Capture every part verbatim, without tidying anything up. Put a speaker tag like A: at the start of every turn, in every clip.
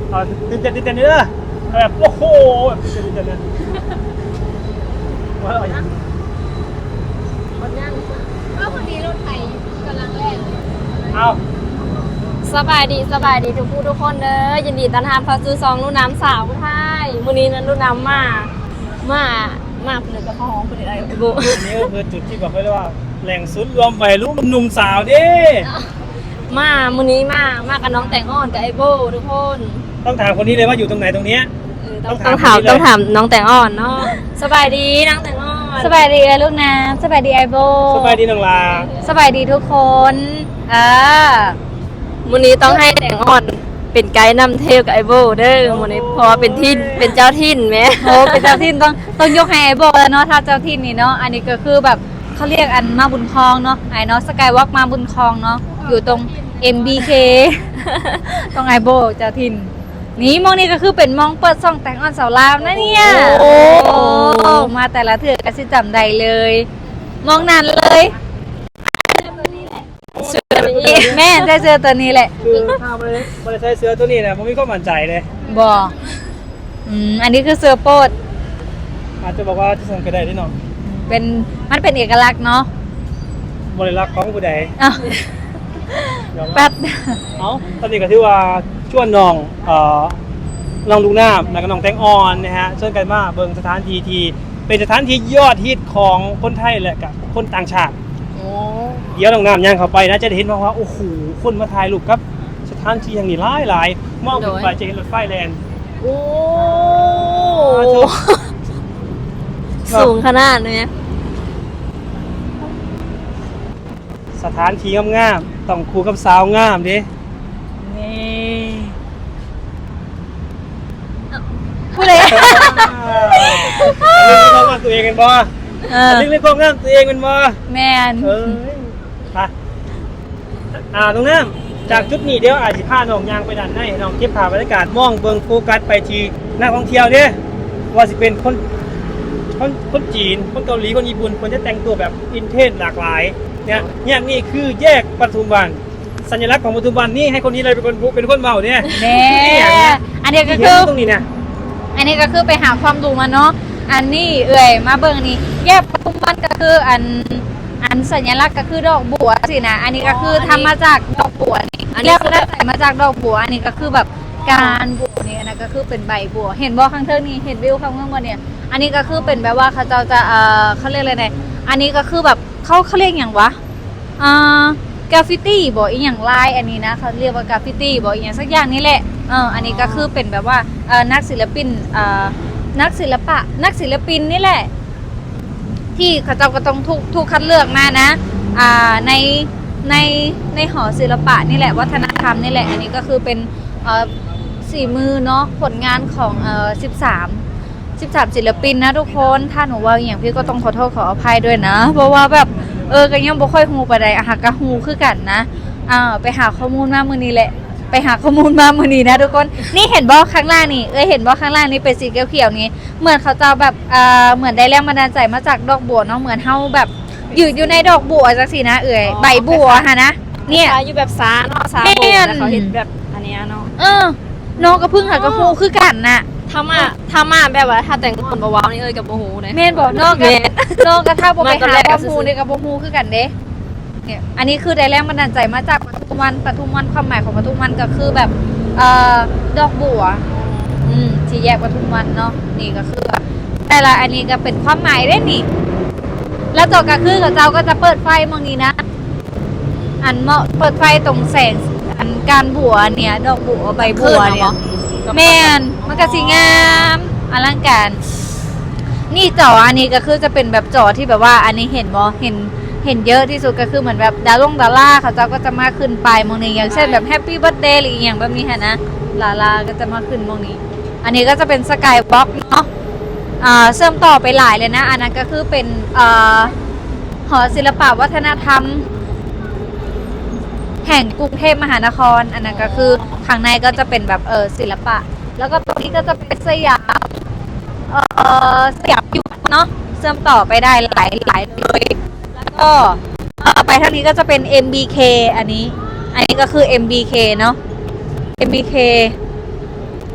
A: เอาตื่นเต้นตื่นเต้นเด้อแบบโอ้โหแบบตื่นเต้นตื่นเต้นเลยว่าเอาอย่างนี้
B: มันย่างก็พอดีรถไถกำลังแล่น
A: เอา
B: สบายดีสบายดีทุกผู้ทุกคนเด้อยินดีต้อนรับเข้าสู่ซองลูกน้ำสาวไทยมื้อนี้นั้นลูกน้ำมามามาเพิ่นก็เข้าห้องเพิ่นได้ไอ้บุ
A: อันนี้ก็คือจุดที่บอกไว้เลยว่าแหล่งศูนย์รวมวัยรุ่นหนุ่มสาวเด้
B: มามื้อนี้มามากับน้องแตงอ่อนกับไอ้โบทุกคน
A: ต้องถามคนนี้เลยว่าอยู่ตรงไหนตรงเนี้ย
B: เออต้อง
A: ต้
B: ต้
A: อ
B: อง ง
A: ถา
B: ถาม ม
A: คนนี้เลย
B: ต้องถามน้องแตงอ่อนเนาะสบายดีน้องแตงอ่อน
C: สบายดีเลยลูกนะสบายดีไอโบ
A: สบายดีน้องลา
C: สบายดีทุกคนเออ
B: มื้อนี้ต้องให้แตงอ่อนเป็นไกด์นำเที่ยวกับไอ้โบเด้อมื้อนี้เพราะว่าเป็นที่เป็นเจ้าถิ่นแหม
C: โอ้เป็นเจ้าถิ่นต้องต้องยกให้ไอโบแล้วเนาะถ้าเจ้าถิ่นนี่เนาะอันนี้ก็คือแบบเขาเรียกอันมาบุญคลองเนาะไอเนาะสกายวอล์กมาบุญคลองเนาะอยู่ตรง เอ็ม บี เค ตรงไอโบเจ้าถิ่นนี่มองนี่ก็คือเป็นมองเปิดซ่องแต่งออนสาวลาวนะเนี่ย
B: โอ้
C: โอ้มาแต่ละเถื่อก็สิจำได้เลย มองนานเลย
B: สุดนี้
C: แม่ได้เจอตัวนี้แหละ
A: คือถ้าไม่ได้ไม่ได้ใช้เสื้อตัวนี้นะผมไม่ค่อยมั่นใจเลย
C: บออืมอันนี้คือเสื้อโปด
A: อาจจะบอกว่าจะส่งไปได้ที่น้อง
C: เป็นมันเป็นเอกลักษณ์เนาะ
A: บริลักษ์ของผู้ใด
C: อ้าวย
A: อมรับ
C: แป๊บ
A: เอาตอนนี้ก็ถือว่าชวนน้องเอ่อน้องลูกน้ำแล้วก็น้องแตงอ่อนนะฮะเชิญกันมาเบิ่งสถานที่ที่เป็นสถานที่ยอดฮิตของคนไทยและกับคนต่างชาติ
B: โอ้
A: เดี๋ยวน้องน้ำย่างเข้าไปนะจะได้เห็นว่าว่าโอ้โหคนมาถ่ายรูปครับสถานที่อย่างนี้หลายหลายๆมองขึ้นไปจะเห็นรถไฟแลนด์
B: โอ้
A: อ่าถูก
B: สูงขนาดนี้
A: สถานที่งามๆต้องคู่กับสาวงามดิ
C: นี่
B: พูดเลย
A: เรื่องความงามตัวเองกันบ่
C: เออ
A: เรื่องความงามตัวเองกันบ่
C: แมน
A: เอ้ยไปอ่าตรงนั้นจากจุดนี้เดี๋ยวอาจจะพาน้องยางไปด้านในให้น้องเก็บภาพบรรยากาศมองเบิ่งโฟกัสไปที่นักท่องเที่ยวเด้ว่าสิเป็นคนคนคนจีนคนเกาหลีคนญี่ปุ่นคนจะแต่งตัวแบบอินเทนหลากหลายเนี่ยเนี่ยนี่คือแยกปทุมวันสัญลักษณ์ของปทุมวันนี่ให้คนนี้เลยเป็นคนเป็นคนเมาเนี่ย
C: แน่อันนี้ก็
A: ที่
C: คื
A: เห็
C: อน
A: ตรงนี้นะ
C: อันนี้ก็คือไปหาความรู้มาเนาะอันนี้เอ่ยมาเบิ่งนี่แยกปทุมวันก็คืออันอันสัญลักษณ์ก็คือดอกบัวสินะอันนี้ก็คือทำมาจากดอกบัวนี่แล้วก็ได้ใส่มาจากดอกบัวอันนี้ก็คือแบบการบัวนี่อันนั้นก็คือเป็นใบบัว เห็นบ่ข้างเทิงนี่เห็นวิวข้างเทิงบ่เนี่ยอันนี้ก็คือเป็นแบบว่าเขาเจ้าจะเอ่อเขาเรียกอะไรเนี่ยอันนี้ก็คือแบบเขาเขาเรียกอย่างวะอ่ากราฟฟิตี้บ่อีหยังลายอันนี้นะเขาเรียกว่ากราฟฟิตี้บ่อีหยังสักอย่างนี่แหละเอออันนี้ก็คือเป็นแบบว่าเอ่อนักศิลปินเอ่อนักศิลปะนักศิลปินนี่แหละ ที่เขาเจ้าก็ต้องถูกถูกคัดเลือกมานะอ่าในในในหอศิลปะนี่แหละวัฒนธรรมนี่แหละอันนี้ก็คือเป็นเอ่อสี่มือเนาะผลงานของเอ่อสิบสามสิบสามศิลปินนะทุกคนถ้าหนูว่าอย่างพี่ก็ต้องขอโทษขออภัยด้วยนะ เพราะว่าแบบเออก็ยังบ่ค่อยฮู้ปานใดอะหากะฮู้คือกันนะอ่าไปหาข้อมูลมามื้อนี้แหละไปหาข้อมูลมามื้อนี้นะทุกคนนี่เห็นบ่ข้างล่างนี่เอ้ยเห็นบ่ข้างล่างนี่เป็นสีเขียวๆนี่เหมือนเขาจะแบบอ่าเหมือนได้แรงบันดาลใจมาจากดอกบัวเนาะเหมือนเฮาแบบยืนอยู่ในดอกบัวจังซี่นะเอ้ยใบบัวฮะนะเนี่ย
B: อยู่แบบซาเนาะซา
C: แม่
B: โบ
C: น
B: แต่เขาเห็นแบบอันเนี้ยเนาะ
C: เออน้องก็เพิ่งหากระฮู้คือกันน่ะ
B: ถ้ามาถ้ามาแบบว่าถ้าแต่งคนบ่ว้าวนี่เอ้ยกับบ่ฮู้นะ
C: แม่นบอกน้องก็
B: แม่น
C: น้องก็ถ้าบ่ไป
B: มาตอน
C: หา
B: แรก
C: ค
B: ก็
C: วาม
B: ซื่อๆ
C: รู้นี่ก็บ่ฮู้คือกันเด้เนี่ยอันนี้คือได้แรงบันดาลใจมาจากปทุมวันปทุมวันความหมายของปทุมวันก็คือแบบเอ่อดอกบัวอืมที่แยกปทุมวันเนาะนี่ก็คือแบบแต่ละอันนี้ก็เป็นความหมายเด้นี่ แล้วต่อก็คือกับเจ้าก็จะเปิดไฟมองนี้นะอันเหมาะเปิดไฟตรงแสงอันการบัวเนี่ยดอกบัวใบบัวเนี่ย แม่นมันก็สิงามอลังการนี่จออันนี้ก็คือจะเป็นแบบจอที่แบบว่าอันนี้เห็นบ่เห็นเห็นเยอะที่สุดก็คือเหมือนแบบดาวลงดาราเขาเจ้าก็จะมาขึ้นไปมองนี้อย่างเช่นแบบแฮปปี้เบิร์ธเดย์หรืออีกอย่างแบบนี้ฮะนะลาลาก็จะมาขึ้นมองนี้ อันนี้ก็จะเป็นสกายวอล์กเนาะอ่าเชื่อมต่อไปหลายเลยนะอันนั้นก็คือเป็นอ่าหอศิลปวัฒนธรรม แห่งกรุงเทพมหานครอันนั้นก็คือข้างในก็จะเป็นแบบเออศิลปะ แล้วก็ตรงนี้ก็จะเป็นสยามเออสยามยุทธเนาะเชื่อมต่อไปได้หลายหลายเลยแล้วก็เอ่อไปทางนี้ก็จะเป็น เอ็ม บี เค อันนี้ อันนี้ก็คือ เอ็ม บี เค เนาะ เอ็ม บี เค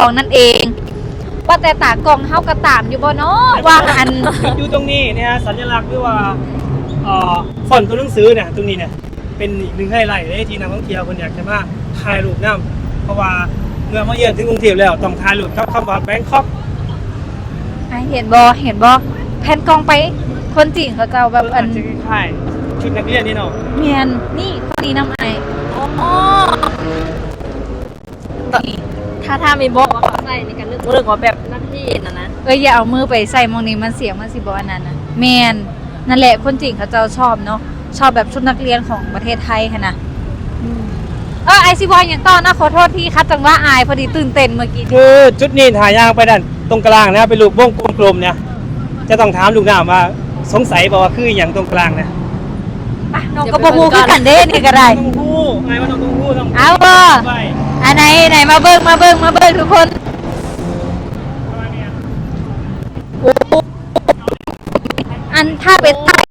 C: องนั่นเอง ว่าแต่ตากล้องเฮากระตามอยู่บ่เนาะว่าอัน
A: อยู่ตรงนี้นะฮะสัญลักษณ์หรือว่าเอ่อฟอนต์ตัวหนังสือเนี่ยตรงนี้เนี่ยเป็นอีกหนึ่งไฮไลท์เลยที่นักท่องเที่ยวคนอยากจะมาถ่ายรูปน้ำเพราะว่าเมื่อมาเยือนถึงกรุงเทพแล้วต้องถ่ายรูปกับคำว่าแบงคอก
C: อ่ะเห็นบ่เห็นบ่แผ่นกล้องไปคนจีนเขาเจ้าแบบอั
A: อาน จจะคล้ายๆชุดนักเรียนนี่เนาะ
C: เมียนนี่คนนี้น้ำไอาย
B: อ๋อถ้าถ้ามีบอกว่าเขาใส่ในการนึกเรื่องว่าแบบนักที่นะนะ
C: เอ้ยอย่าเอามือไปใส่มองนี้มันเสียงมันสิบ่อันนั้นน่ะเมียนนั่นแหละคนจีนเขาเจ้าชอบเนาะชอบแบบชุดนักเรียนของประเทศไทยค่ะนะเออไอซีบอยอย่างต้อนนะขอโทษที่คัดจังว่าอายพอดีตื่นเต้นเมื่อกี้
A: คือจุดนี้ถ่ายยางไปด้านตรงกลางนะเป็นรูปวงกลมๆเนี่ยจะต้องถามลูกน้ำว่าสงสัยบอกว่าคืออย่างตรงกลางเนี่ย
C: ไปน้องก็บ่ฮู้คือกันเด้นี่ก็ได้
A: ต้องพูดไงว่าต้องพูดต้อง
C: เอาบ่
A: ไป
C: อันไหนไหนมาเบิ่งมาเบิ่งมาเบิ่งทุกคนโอ้อันถ้าเป็นไทย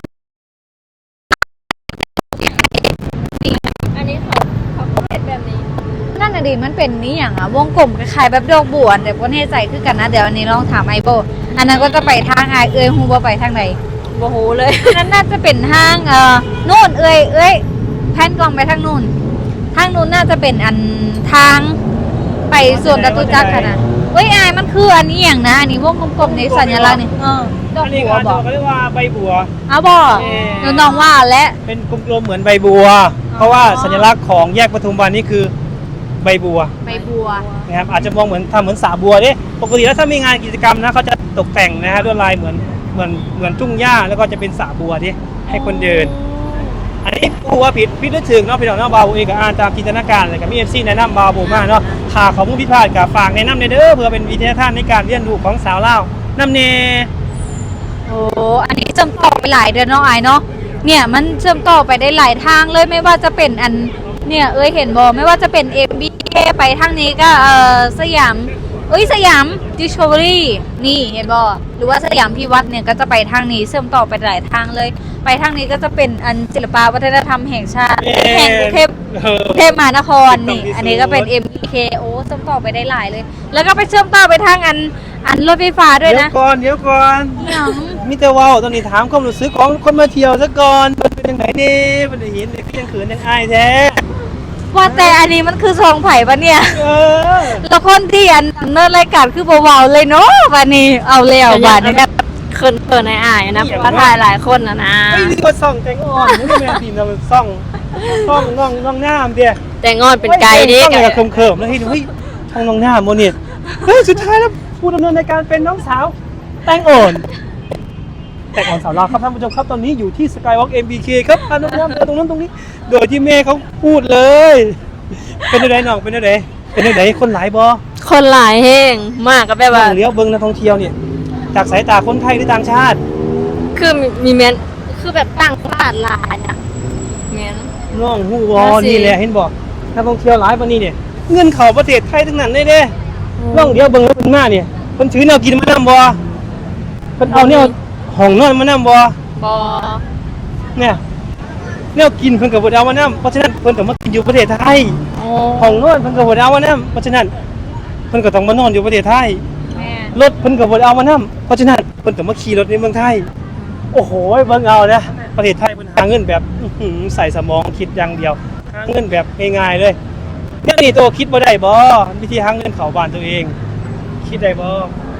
B: อันนี้เขาเขาก็เห็นแบบนี้
C: นั่นน่ะดิมันเป็นนี่อย่างอะวงกลมคล้ายๆแบบดอกบัวแต่บ่แน่ใจคือกันนะเดี๋ยวอันนี้ลองถามไอโบอันนั้นก็จะไปทางไอเอ้ยฮู้บ่ไปทางไหน
B: โอ้โหเลย
C: อันนั้นน่าจะเป็นทางเอ่อนู่นเอ้ยเอ้ยแพนกล้องไปทางนู่นทางนู้นน่าจะเป็นอันทางไปสวนจตุจักรค่ะนะเฮ้ยอายมันคืออันนี้อย่างนะอันนี้วงกลมๆในสัญลักษณ์นี่เออดอก
A: อันนี้
C: บัว
A: เขา
C: บอก
A: เขาเรียกว่าใบบัว
C: เอาบ่
A: เอ่อ
C: หนูน้องว่าและ
A: เป็นกลมๆเหมือนใบบัว เพราะว่าสัญลักษณ์ของแยกปทุมวันนี่คือใบบัว
C: ใบบัว
A: นะครับอาจจะมองเหมือนทำเหมือนสาบัวดิปกติแล้วถ้ามีงานกิจกรรมนะเขาจะตกแต่งนะฮะด้วยลายเหมือนเหมือนเหมือนทุ่งหญ้าแล้วก็จะเป็นสาบัวดิให้คนเดิน อันนี้กูว่าผิดผิดหรือถึงเนาะพี่น้องเนาะบาวเองก็อ่านตามจินตนาการเลยกับมีเอฟซีแนะนำบาวโบมากเนาะถ้าเขามุ่งพิพาทกับฝากแนะนำในเด้อเพื่อเป็นวิทยาทานในการเรียนรู้ของสาวเล่าวน้ำเน
C: โอ้อันนี้เชื่อมต่อไปหลายเดือนเนาะอายเนาะเนี่ยมันเชื่อมต่อไปได้หลายทางเลยไม่ว่าจะเป็นอันเนี่ยเอ้ยเห็นบ่ไม่ว่าจะเป็น เอ็ม บี เค ไปทางนี้ก็เออสยามเอ้ยสยาม Discovery นี่เห็นบ่หรือว่าสยามพิวัตรเนี่ยก็จะไปทางนี้เชื่อมต่อไปหลายทางเลย ไปทางนี้ก็จะเป็นอันศิลปวัฒนธรรมแห่งชาติแห่งกรุงเทพ
A: เออก
C: รุงเทพมหานครนี่อันนี้ก็เป็น เอ็ม บี เค โอ้เชื่อมต่อไปได้หลายเลย แล้วก็ไปเชื่อมต่อไปทางอันอันรถไฟฟ้าด้วย
A: เดี๋ยว
C: นะ
A: ก่อนเดี๋ยวก่อน
C: หยัง
A: มิเตอร์วาวตอนนี้ถามความรู้สึกของคนมาเที่ยวซะก่อนมันเป็นยังไงนี่มันได้เห็นเด็กยังเขินยังอายแท้
C: ว่าแต่อันนี้มันคือซองไผ่ปะเนี่ย
A: เออ
C: แล้วคนที่อันเนิร์ดรายการคือเบาๆเลยเนาะวันนี้เอาแล้วบาดนะครับ
B: เคินเปิดในอายนะเพราะว่าถ่ายหลายคนนะนะ
A: ไอ้นี่ก็ส่องแตงอ่อนนี่แม่ทีมเราส่องส่องน้องน้องหน้ามเดีย
B: แต่งอนเป็นไกด์ดิ
A: ส่องกับเขิมๆแล้วเฮ้ยเฮ้ยช่องน้องหน้าโมเนตเฮ้ยสุดท้ายแล้วผู้ดำเนินรายการเป็นน้องสาวแตงอ่อนแตงอ่อนสาวลาวครับท่านผู้ชมครับตอนนี้อยู่ที่ Skywalk เอ็ม บี เค ครับพาน้องหน้าไปตรงนั้นตรงนี้ โดยที่แม่เขาพูดเลย เป็นอะไรน้องเป็นอะไรเป็นอะไรคนหลายบอ
B: คนหลายแห้งมากก็แบบว่า
A: เลี้ยวเบิ้งนักท่องเที่ยวเนี่ยจากสายตาคนไทยหรือต่างชาติ
B: คือมีมีเมนคือแบบตั้งตลาดหลายอ่ะเมน
A: น้องฮู้บอ
B: น่าสิ
A: นี่แหละเห็นบอกนักท่องเที่ยวหลายปานนี้เนี่ยเงินเข้าประเทศไทยทั้งนั้นเลยเด้น้องเดียวเบิ่งแล้วเพิ่นมาเนี่ยเพิ่นถือแนวกินมานำบ่เพิ่นเอาแนวห้องนอนมานำบ่
B: บอ
A: เนี่ยแนวกินเพิ่นก็บ่ได้เอามานำเพราะฉะนั้นเพิ่นก็มากินอยู่ประเทศไทย
B: โอ้
A: ห้องนอนเพิ่นก็บ่ได้เอามานำเพราะฉะนั้นเพิ่นก็ต้องมานอนอยู่ประเทศไทย
C: แม่
A: รถเพิ่นก็บ่ได้เอามานำเพราะฉะนั้นเพิ่นก็มาขี่รถในเมืองไทย โอ้โหเบิ่งเอานะประเทศไทยเพิ่นหาเงินแบบอื้อหือใส่สมองคิดอย่างเดียวหาเงินแบบง่ายๆเลยเนี่ยนี่โตคิดบ่ได้บ่วิธีหาเงินเข้าบ้านตัวเอง คิดได้บ่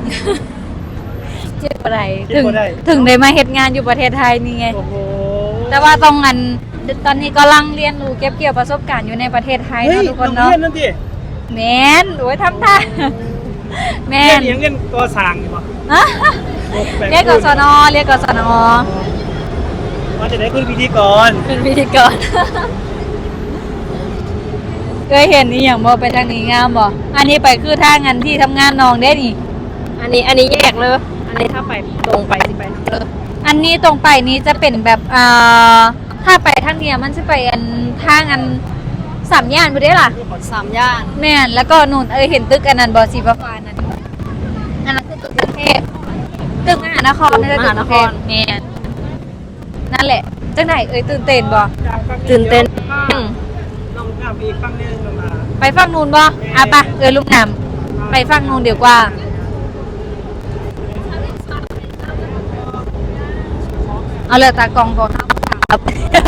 C: เจ็บอะไร
A: เจ็บ
C: ถึง
A: บ่ได้
C: ถึงได้มาเฮ็ดงานอยู่ประเทศไทยนี่ไง
A: โอ้โห
C: แต่ว่าต้องอันตอนนี้กำลังเรียนรู้เก็บเกี่ยวประสบการณ์อยู่ในประเทศไทย
A: เฮ้ย
C: เนาะทุกคน
A: น้อง
C: เนาะ
A: เรียนนั่นดิ
C: แม่นโอ้ยทำท่าแม่
A: เรียน
C: น
A: เรียนเรียนก่อสร้างนี่บ่
C: อะ
A: แบ่ง
C: เรียกกศนเรียกกศน
A: มาจะได้คุณพิธีกร
B: เป็นพิธีกร
C: เคยเห็นนี่อย่างบ่ไปทางนี้งามบ่อันนี้ไปคือทางงานที่ทำงานน้องได้นี่
B: อันนี้อันนี้แยกเลย อันนี้ถ้าไปตรงไปสิไปทางเลย
C: อันนี้ตรงไปนี้จะเป็นแบบอ่าถ้าไปทางเนี้ยมันจะไปอันทางอันสามย่านบ่ได้ล่ะ
B: สามย่าน
C: แม่นแล้วก็นู่นเอ้ยเห็นตึกอันนั้นบ่สีฟ้าๆนั่นอันนั้นคือตึกกรุงเทพตึกมหานครนั่นแหละตึกกรุงเทพแม่นนั่นแหละจังไหนเอ้ยตื่นเต้นบ่
B: ตื่นเต้น
C: อืม
A: น้องน้ำไปอีกฝั่งหนึงน้องมา
C: ไปฝั่งนู้นบ่อ่ะปะเอ้ยลูกน้
A: พา
C: ไปฟังนู้นเดียวกว่าเอาเลยตากล้องก่อนครับ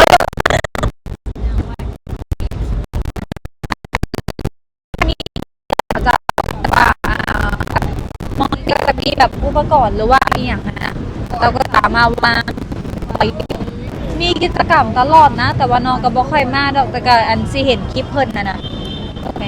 C: จะว่ามันก็จะมีแบบอุปกรณ์หรือว่าอีอย่างนะเราก็สามารถมามีกิจกรรมตลอดนะแต่ว่าน้องก็บ่ค่อยมาดอกแต่ก็อันสิเห็นคลิปเพิ่นนะนะโอเค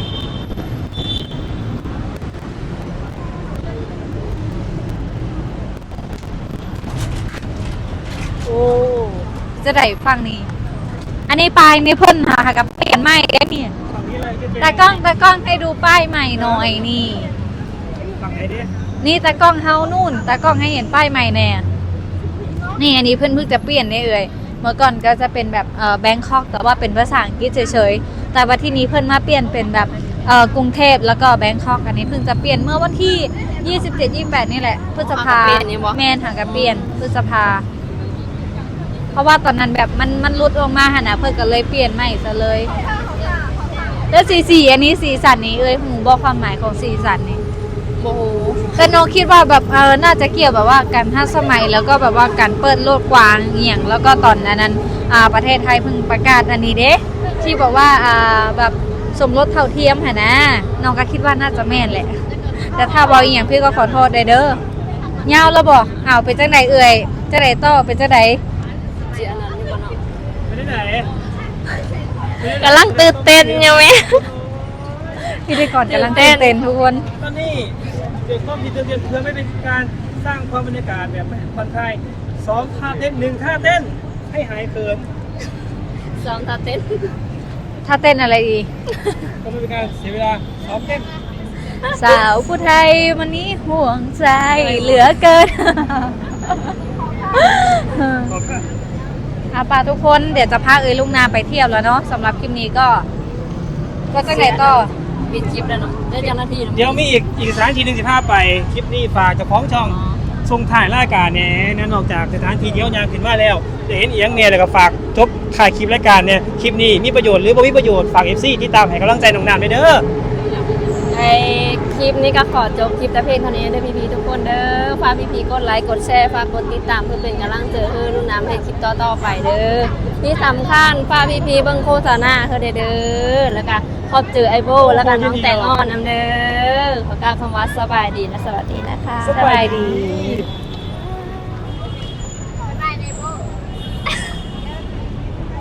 C: โอ้จะได้ฟังนี่อันนี้ป้ายนี่เพิ่นหากับเปลี่ยนใหม่ได้นี่
A: ฝั่งนี้เลยจะเป็น
C: ตากล้องตากล้องให้ดูป้ายใหม่หน่อยนี่
A: ฝั่งไหนดิ
C: นี่ตากล้องเฮานู่นตากล้องให้เห็นป้ายใหม่แน่นี่อันนี้เพิ่นเพิ่งจะเปลี่ยนได้เอ่ยเมื่อก่อนก็จะเป็นแบบเอ่อแบงคอกแต่ว่าเป็นภาษาอังกฤษเฉยๆแต่ว่าที่นี้เพิ่นมาเปลี่ยนเป็นแบบเอ่อกรุงเทพแล้วก็แบงคอกอันนี้เพิ่งจะเปลี่ยนเมื่อวันที่ยี่สิบเจ็ด ยี่สิบแปดนี่แหละพฤษภาแม่นหางกับเปลี่ยนพฤษภาเพราะว่าตอนนั้นแบบมันมันรุดออกมาหั่นน่ะเพิ่นก็เลยเปลี่ยนใหม่ซะเลยแล้วสีสีอันนี้สีสันนี้เอ้ยหูบอกความหมายของสีสันนี้
B: โอ้โห
C: แต่น้องคิดว่าแบบเออน่าจะเกี่ยวแบบว่าการทันสมัยแล้วก็แบบว่าการเปิดโลกกว้างเหี่ยงแล้วก็ตอนนั้นนั้นอ่าประเทศไทยเพิ่งประกาศอันนี้เด้ที่บอกว่าอ่าแบบสมรสเท่าเทียมค่ะนะน้องก็คิดว่าน่าจะแม่นแหละแต่ถ้าบอกอีหยังพี่ก็ขอโทษได้เด้อยาวแล้วบอกอ้าวเป็นจังไดเอ่ยจังไดต่อเป็นจังได
B: เจียนั้นอยู่บ่เนาะ
A: ไปที่ไหน
B: กำลังตื่นเต้นอยู่แม่
C: พี่ได้ก่อนกำลังตื่นเต้นทุกคน
A: ตอนนี้เด็กต้องมีเตือนเพื่อไม่เป็นการสร้างความบรรยากาศแบบผ่อนคลายสองท่าเต้นหนึ่งท่าเต้นให้หายเขิน
B: สองตาเต้น
C: ถ้าเต้นอะไรอีก
A: ก็ไม่เป็นการเสียเวลาซ้อมเต้น
C: สาวผู้ไทยวันนี้ห่วงใจเหลือเกิน
A: บอกก็
C: อาปาทุกคนเดี๋ยวจะพาเอ้ยลุงนาไปเที่ยวแล้วเนาะสำหรับคลิปนี้ก็ ก็จะไหนต่อ
B: ปิดคลิปแล้วเนาะได้จังนาทีเนาะ
A: เดี๋ยวมีอีกอีกสถานที่หนึ่งสิบห้าไปคลิปนี้ฝากเจ้าของช่องส่งถ่ายรายการเนี่ยนั่นนอกจากสถานที่เดียวยางขึ้นมาแล้วจะเห็นเอียงเนี่ยแล้วก็ฝากจบถ่ายคลิปรายการเนี่ยคลิปนี้มีประโยชน์หรือบ่มีประโยชน์ฝาก เอฟ ซี ที่ตามให้กำลังใจน้องน้ำด้วยเด้อ
B: ไอคลิปนี้ก็ขอจบคลิปแต่เพียงเท่านี้เด้อพี่ๆทุกคนเด้อฝากพี่ๆกดไลค์กดแชร์ฝากกดติดตามเพื่อเป็นกำลังใจให้ลูกน้ำให้คลิปต่อๆไปเด้อที่สำคัญฝากพี่ๆเบิ่งโฆษณาเพื่อเด้อแล้วก็ขอบเจอไอโบแล้วก็น้องแตงอ่อนนำเด้อขอกล่าวคำว่าสบายดีและสวัสดีนะคะ
C: สบายดี